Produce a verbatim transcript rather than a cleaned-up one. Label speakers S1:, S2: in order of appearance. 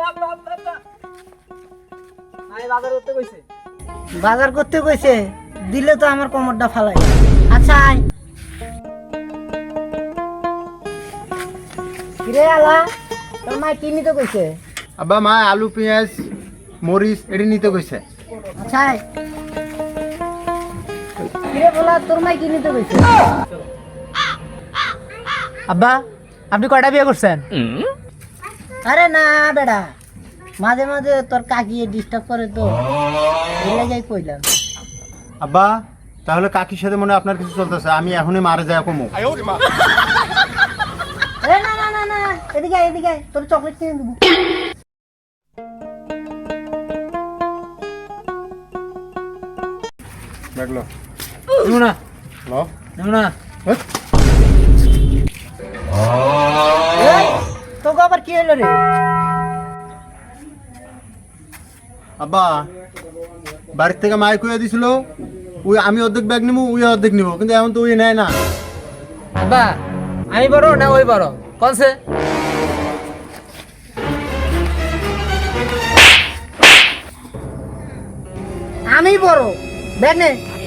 S1: বাজার করতে কইছে
S2: বাজার করতে কইছে দিলে তো আমার কোমরটা ফালাই। আচ্ছা আয় কিরে আলা তোর মা কি নিতে কইছে?
S3: আব্বা মা আলু পেঁয়াজ মরিচ এটি নিতে কইছে।
S2: আচ্ছা আয় কিরে বলা তোর মা কি নিতে কইছে?
S1: আব্বা আপনি কয়টা বিয়ে করছেন?
S2: আরে না বেড়া মাঝে মাঝে তোর কাকি ডিস্টার্ব করে তো এই লাগাই কইলাম।
S3: আব্বা তাহলে কাকির সাথে মনে হয় আপনার কিছু চলতেছে, আমি এখনই মারা যায় কমো।
S2: এ না না না না এদিকে আয়, এদিকে আয়, তোর চকলেট কিনে দেবো।
S3: দেখলো
S1: নেবো না
S3: লো
S1: নেবো না।
S2: এই, তোকে আবার কি হলো রে?
S3: আব্বা বাড়ির থেকে মাই কইয়া দিছিল ওই আমি অর্ধেক ব্যাগ নিবো ওই অর্ধেক নিবো, কিন্তু এখন তো ওই নেয় না।
S1: আব্বা আমি বড় না ওই বড় কোনছে?
S2: আমি বড় ব্যাগ নে।